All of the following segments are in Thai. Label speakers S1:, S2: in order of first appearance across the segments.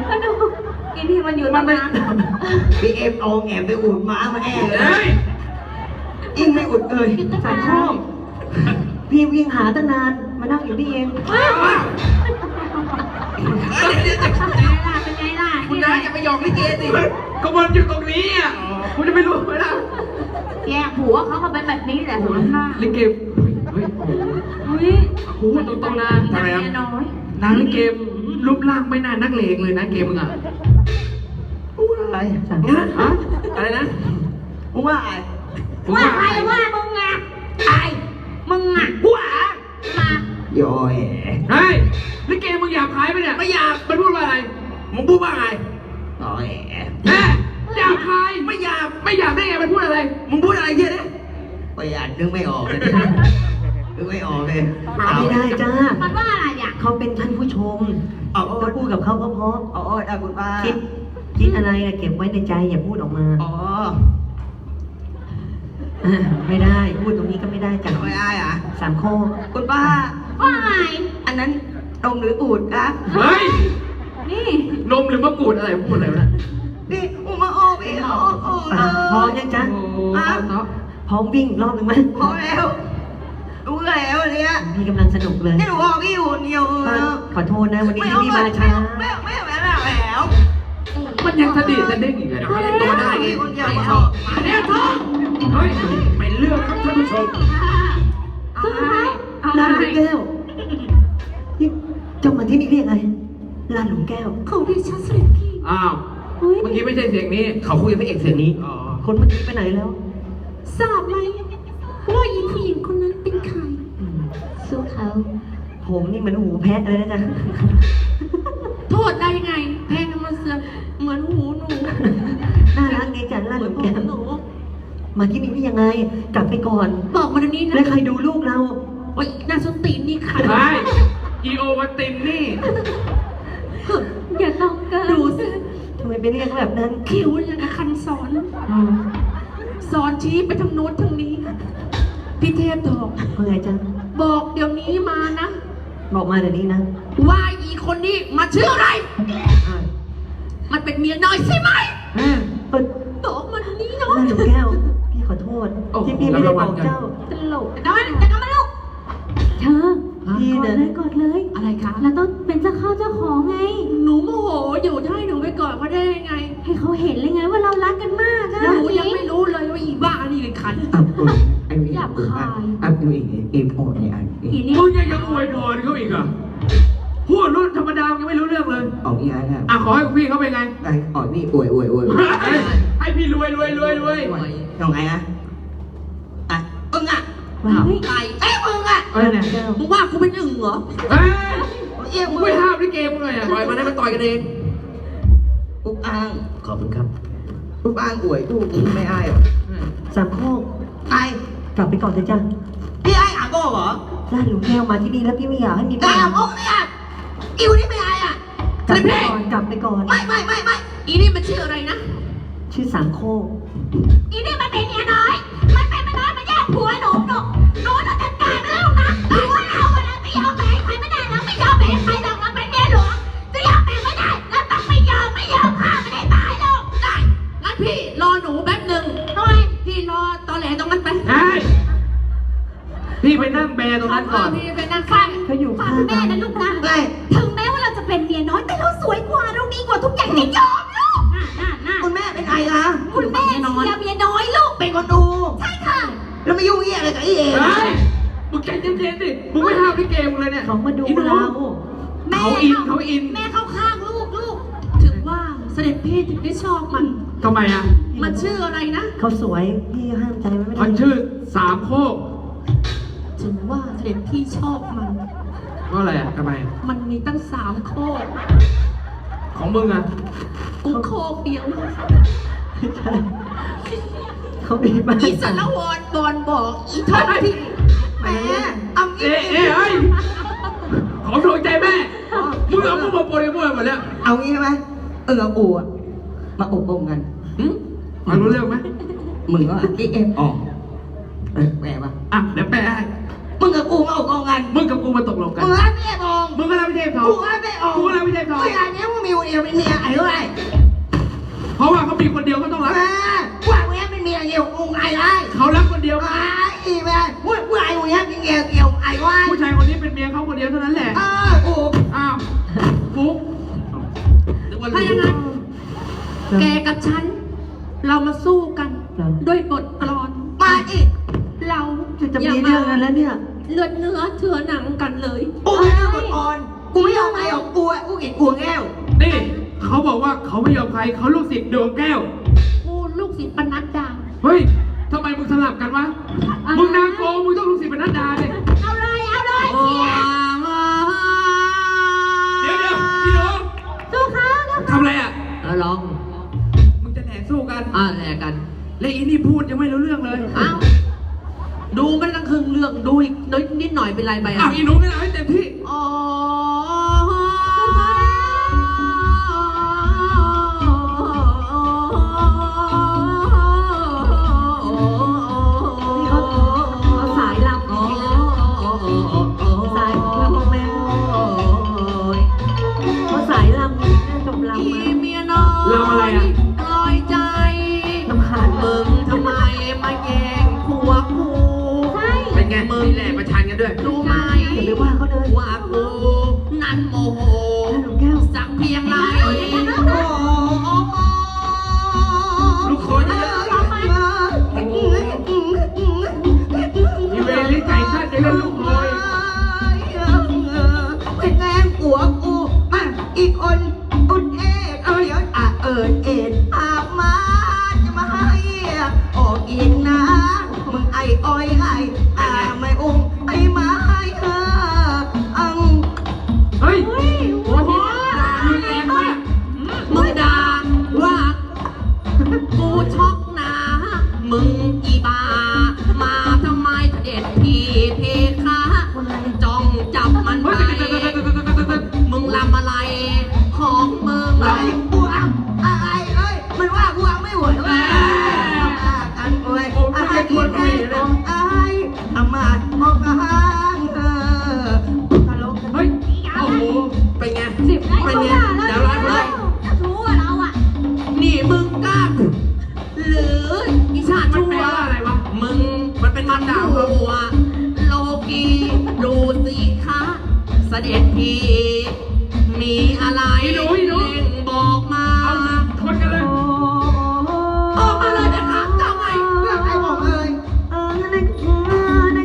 S1: ก็ดูไอ้นี่มันอยู่ตรงนั้น
S2: พี่เอ็มเอาแอบไปอุดม้ามาแอบเล
S3: เฮ้
S2: ย
S3: ย
S2: ยิ่งไม่อุดเลย
S4: สายช่องพี่วิ่งหาตั้งนานมานั่งอยู่นี่เอง
S3: เดี๋ยว
S1: เป็นไงล่ะ
S3: คุณนายจะไปหยอกลิเกสิก็มันอยู่ตรงนี้อ่ะคุณจะไม่รู้ไหมล่ะ
S1: แย่ผัวเขาก็เป็นแบบนี้แหละหัวข้า
S3: ลิเกเฮ้ย
S1: อุ้ย
S3: พูดตรงๆนะ
S1: ทำไมน้อย
S3: นางลิเกรูปร่างไม่น่านักเลงเลยนะเกมมึงอ่ะ
S2: พูดอะไร
S4: สั่ง
S3: ฮะอะไรนะ
S2: พูดว่าอะไร
S1: ว่าใครว่ามึงอ่ะไอ้มึงอ่ะ
S2: พูดอะ
S1: มา
S2: โย่แห
S3: เฮ้ยลิเกมึงอยากขายไหมเนี่ยไม่อยากมันพูดว่าอะไร
S2: มึงพูดว่าไงต่อแห
S3: แม่อยากขายไม่อยากได้ไงมันพูดอะไร
S2: มึงพูดอะไรเยอะเนี่ยประหยัดนึกไม่ออกเลยนึกไม่ออกเลย
S4: ไม่ได้จ้า
S1: มันว่าอะไรอ่ะ
S4: เขาเป็นท่านผู้ชม
S2: เอา
S4: ต้องพูดกับเขาเพราะ
S2: เอาได้คุณป้า
S4: ๆคิดอะไรอะเก็บไว้ในใจอย่าพูดออกมา
S2: อ๋อ
S4: ไม่ได้พูดตรงนี้ก็ไม่ได้จ้ะ
S2: ไม่ได้อ่ะ
S4: สามข้อ
S2: คุณป้า
S1: ว่าไง
S2: อันนั้นตรงหรืออูดครับ
S3: เฮ้ย
S1: นี่
S3: นมหรือมะกรูดอะไรพูดอะไรวะเนี่ย
S2: นี่อุมาโอพี่โอ้
S4: พร้อมยังจ๊ะ
S3: โอ้โหเนาะ
S4: พร้อมวิ่งอีกรอบหนึ่งไหม
S2: พอแล้วรู้แล้วอันเนี้ย
S4: พี่กำลังสนุกเลย
S2: นี่หนูบอกพี่อยู่คนเดียว
S4: ขอโทษนะวันนี้
S2: ไม่
S4: ที่
S2: เอา
S4: พี่
S2: ไม่
S4: มาช้า
S2: ไม่แล้ว
S3: มันยังสะดิดสะเด้งอีกเลยนะเล่นตัวได้
S2: พี่
S3: ไง
S2: คนเดียวชอบ
S3: มาเนี่ยท้องเฮ้ยเป็นเรื่องครับท่านผู้ชม
S1: เอาให้เอา
S4: ลานหลุ
S1: ให้
S4: มแก้วนี่เจ้ามาที่นี่เรียกอะไรลานหลุมแก้ว
S1: เขาดิฉันเสด็จพี่
S3: อ้าว
S1: เฮ้ย
S3: เมื่อกี้ไม่ใช่เสียงนี้
S2: เขาคุยกับพระเอกเสียงนี้
S3: อ๋อ
S4: คนเมื่อกี้ไปไหนแล้ว
S1: ทราบไหมว่าอีผู้หญิงคนนั้นเป็นใครสู้เขา
S4: ผมนี่เหมือนหูแพะเลยนะจ๊ะ
S1: โทษได้ไง แพงมันเสือกเหมือนหูหนู
S4: น่ารักดีจังลานหลุมแก้ว
S1: หนู
S4: มาที่นี่ได้ยังไง กลับไปก่อน
S1: บอกมาเดี๋ยวนี้นะ
S4: แล้วใครดูลูกเรา
S1: โอ๊ยนาสนตีนนี่ค่ะ
S3: ใช่อีโอวัตินนี่
S1: อย่าต้องเกินดูสิ
S4: ทำไมไปเรียกแบบนั้น
S1: คิ้วอย่างกับคันสอน สอนชี้ไปทางโน้นทางนี้ พี่เทพบอก
S4: เมื่อไงจ๊ะ
S1: บอกเดี๋ยวนี้มานะ
S4: บอกมาเดี๋ยวนี้นะ
S1: ว่าอีคนนี้มาชื่ออะไร
S4: อ่า
S1: มันเป็นเมียน้อยใช่ไหม
S4: เปิด
S1: บอกมันนี้เนาะ
S4: ลานหลุมแก้ว พี่ขอโทษ
S3: โอ้โห
S4: ที่พี่ไม่ได้บอกเจ้า
S1: ตลกแต่ว่าแต่ก็ไม่ลูกเธอ
S4: พี่
S1: กอ
S4: นะ
S1: ดเลยกอดเลย อะไรคะ
S5: เราต้องเป็นเจ้าเข้าเจ้าของไง
S1: หนูโมโหอยู่จะให้หนูไปกอดเขาได้ยังไง
S5: ให้เขาเห็นเลยไงว่าเรารักกันมากนะ
S1: หนูยังไม่รู้เลยว่าอีบ้านี่เป็นใคร
S2: อับอุ่นไอ้นี่อับอุ่นอับอุ่นเอ็มโอเนี่ยอัน
S1: อีนี่
S3: มึงยังอวยพรเขาอีกเหรอพูดรุ่นธรรมดายังไม่รู้เรื่องเลย
S2: ออกนี่นะ
S3: อ่ะขอให้พี่เขาเป็นไง
S2: ได้ออกนี่อวย
S3: ให้พี่รวย
S2: ยังไงอะอ่ะอึ้งอ่ะ
S4: เฮ้ย
S1: ไก่เอ้ยมึงอ่ะ
S3: เอ้ยเนี่ย
S4: แก้ว
S1: มึงว่ากูเป็นอึ่งเหรอ
S3: เฮ้ย
S2: เอี้ย
S3: มึ
S2: มึ
S3: ง
S2: ง
S3: ไม่ห้ามลิเกมึงเลยอ่ะ
S2: ปล่อยมันให้มันต่อยกันเองอุกอ่าง
S3: ขอบคุณครับ
S2: อุกอ่างอวยทุกไม่อาย
S4: สามข้อ
S2: ไอ้
S4: กลับไปก่อนเถอะจ้ะ
S2: พี่ไอ้อาโก้เหรอ
S4: ลานหลุมแก้วมาที่นี่แล้วพี่ไม่อยากให้มี
S2: ไอ้
S4: ปัญ
S2: อา
S4: หา
S2: โก้เนี่ยอิวนี่ไม่อายอ่ะ
S4: กลับไปก่อนกลับไปก่อน
S2: ไม่
S1: อีนี่มันชื่ออะไรนะ
S4: ชื่อสามโคก
S1: อีนี่มันเป็นเมียน้อย มันเป็นเมียน้อยมันแย่งผัวหนูต้องจัดการมันแล้วนะหนูว่าเราอะนะไม่ยอมแบ่งใครไม่ได้เราไม่ยอมแบ่งใครหรอกเราเป็นเมียหลวงจะยอมแบ่งไม่ได้เราต้องไม่ยอมฆ่าไม่ได้ตายหรอกได้งั้นพี่รอหนูแป๊บหนึ่งทำไมพี่รอตอแหลตรงนั้นไป
S3: เฮ้ยพี่ไปนั่งแบร์ตรงนั้นก่อน
S1: พี่ไปนั่งฟัง
S4: เขาอยู่
S5: ฟัง
S4: ข้าง
S5: แม่
S4: กั
S5: นะ
S4: น
S5: ลูกนะ
S2: ไม่
S5: ถึงแม้ว่าเราจะเป็นเมียน้อย แต่เราสวยกว่า เราดีกว่าทุกอย่างจะยอมลูกน่า
S2: คุณแม่เป็นใครล่ะ
S5: คุณแม่เชียร์เมียน้อยลูก
S2: เป็นคนดู
S5: ใช่ค่ะ
S2: แล้วไม่ยุ่งเหี้ยอะไรกับไอ้เอ๋
S3: เฮ้ย มึงใจเย็นๆดิ มึงไม่ห้ามลิเกมึงเลยเนี่ย
S4: เขามาดู
S3: อีหนู
S4: เรา
S3: เขาอิน
S5: แม่เข้าข้างลูก
S1: ถึงว่าเสด็จพี่ถึงได้ชอบมัน
S3: ทำไมอ่ะ
S1: มันชื่ออะไรนะ
S4: เขาสวยพี่ห้ามใจไว้ไม่ได้
S3: มันชื่อสามโคก
S1: ถึงว่าเสด็จพี่ชอบมัน
S3: ว่าอะไรอ่ะทำไม
S1: มันมีตั้ง3 โคก
S3: ของมึงอ่ะ
S1: กูโคกเดียว
S4: เขาดีมาก
S1: อีสารวรบอลบอกอีทอดที่
S2: แม่อำอี
S3: เฮ้ย ของถูกใจแม่ มึงเอามึงมาโปรยมั่วหมดแล้ว
S2: เอางี้ใช่ไหมอูอ่ะมาอบรมกัน
S3: มารู้เรื่องไหม
S2: มึงก็ไอ้เอ็มออกแปลปะ
S3: อ่ะ เดี๋ยวแปลให้
S2: มึงกับกูมาอบรมกัน
S3: มึงกับกูมาตกลงกัน
S2: มึงรับไม่ได้ทอง
S3: มึงก็รับไม่ใช่ทอง
S2: กูรับไม่ได้ทอง
S3: กูรับไม่ใช่ทอง
S2: เวลาเนี้ยมึงมีวันเอยวเป็นเมียไอ้ด้วย
S3: เพราะว่าเขามีคนเดียวก็ต้องรัก
S2: ว่าเมียเป็นเมียเกี่ยวกับไอ้ไร
S3: เขารักคนเดียว
S2: ไอ้แม่ผู้ชายคนนี้เป็นเกี่ยวไอ้วะ
S3: ผู้ชายคนนี้เป็นเมียเขาคนเดียวเท่านั้นแหละ
S2: โอ้
S3: อ้าวฟุกนึกว่า
S5: ถ้าอย่างนั้น แกกับฉัน เรามาสู้กัน ด้วยบทกลอน
S2: มาดิ
S5: เรา
S4: จะมีเรื่องกันแล้วเนี่ย
S5: เลือดเนื้อเถื่อหนังกันเลย
S2: กูไม่เอาก่อนกูไม่เอาไอ้ของกูกินกูแก้ว
S3: นี่เขาบอกว่าเขาไม่ยอมใครเขาลูกศิษย์ดวงแก้ว
S5: กูลูกศิษย์ปนัดดา
S3: เฮ้ยทำไมมึงสลับกันวะ มึงนางโกมึงต้องลูกศิษย์เป็นนัดดาเลย
S1: เอาเลยเอาเลย
S3: เดี๋ยวพี่น้อง
S1: สู้เขาสู้
S3: ทำอะไรอ่ะ
S2: ร้อง
S3: มึงจะแหน่สู้กัน
S2: แลกกัน
S3: และอีนี่พูดยังไม่รู้เรื่องเลย
S2: อ้าวดูไม่ตั้งครึ่งเรื่องดูอีกนิดหน่อยเป็นไรไป
S3: อ้าวอีหนูงั้นเอาให้เต็มที่
S2: อ๋อ
S4: นี่เขาสายลำสายลำแม่เขาสายลำจบลำมา
S2: เมียน้อย
S3: เราอะไรอ่ะ
S2: ปล่อยใจ
S4: ลำคาญ
S2: มึงทำไมมาแย่งผัวกู
S3: เป็นไงมึงแหละประชันกันด้วย
S2: รู้ไหม
S4: อย่าไปว่าเขาเลย
S2: ว่ากูนั้นโมโห
S4: หลวงแก้ว
S2: สักเพียงไรโอ้
S3: ลูกคนเยอะอีเวลิไก่สั้นจะเล่นลูกคอย
S2: เป็นแรงผัวกูอีกคนอุดเอกเอ็ดอาบมาจะมาให้ออกอีกนะมึงไอ้อ้อยไม่อุ้มไอ้ไม้อัง
S3: เฮ้ยโอ้โหมึงแรงมาก
S2: มึงด่าว่ากูช็อกนะมึงอีบามาทำไมเด็ดทีเพคะจ้องจับมันไป มึงลำอะไรของมึงไอ้กูอ่ะไอ้มันว่ากูอ่ะไม่ไหวแล้วกันโอ้ยไอ้ที่แท้ของไอ้ทำมาออกห่างตลก
S3: เฮ้ย โอ้โห
S2: เป็นไง
S1: 10
S2: เป็นไงเดี๋ยวร้อยคน
S1: รู้ว่าเราอ่ะ
S2: นี่มึงกล้าหรืออีชาติ
S3: มัน
S2: ชั่
S3: แปล
S2: ว
S3: ว่าอะไรวะ
S2: มึงมันเป็นมันด่าหัวโลกีดูสิคะเสด็จพี่มีอะไร
S3: อีหนู
S2: เร่งบอกมา
S3: เอาคนกันเลย
S2: ออกมาเลยนะครับเจ้าไงเรื่องไอ้บอกเลย
S1: มันเป็นอะไร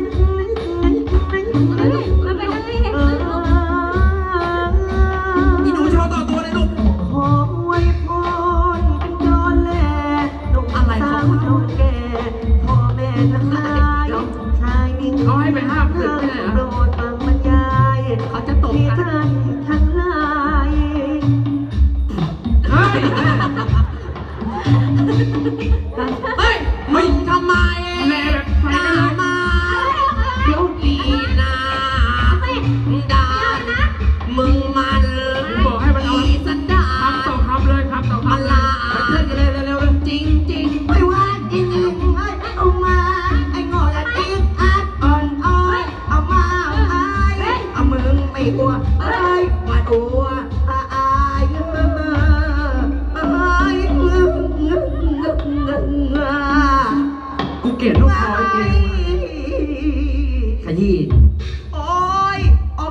S1: เนี่ย
S2: อีหนูโชว์ต่อตัวเลยลูก
S4: ขออวยพรเป็นจอนแหล่หนุ่มสาวเท่าแก่พ่อแม่ทั้งหลายชายหญิง
S3: เขาให้ไปห้ามศึกไม่ได้เหรอ
S4: โปรดฟังบรรยาย
S2: เขาจะตบ
S4: ที่
S2: กัน
S4: ท่านทั้งหลาย
S3: เฮ้ย
S2: เฮ้ยมึงทำไม
S3: แรงแบบไฟ
S2: ด่า
S3: กันเลย
S2: มา
S4: เดี๋ยว
S2: ลีนาด่ามึงมัน
S3: บอกให้มันเอา
S2: อีสันดา
S3: คำต่อคำเลยคำต่อ
S2: มา
S3: คำเล
S2: ลาย เพื่อนกันเลยเร็วๆเลยจริงไม่ว่าจริงเอามาไอ้งอละติ๊กอัดอ่อนอ้อยเอามาเอามึงไม่กลัวว่าตัวอาย
S3: กูเกลียดลูกคอยเกลียด
S2: ขยี้โอ้ย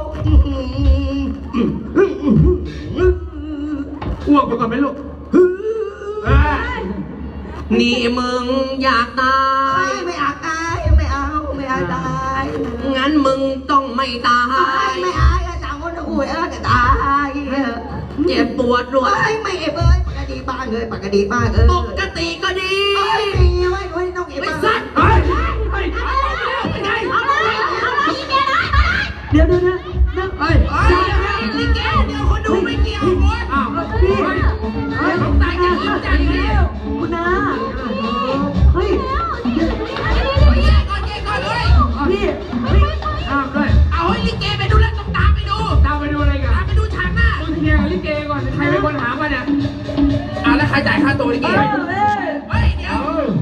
S3: อ้วกไปก่อนไหมลูกเ
S2: นี่มึงอยากตายไม่อยากตายไม่เอาไม่อยากตายงั้นมึงต้องไม่ตายไม่อายต่างคนต่างอุ้ยจะตายเจ็บปวดรวยไม่เอ้ยปกติบ้างเลยปกติบ้างปกติก็ดีไม่ต้องเก็บไม่สั้น
S3: ฮ้ย เฮ้ย
S1: เอาเลยเอาเลยอีเมียน้อยมาเลย
S4: เดี๋ยว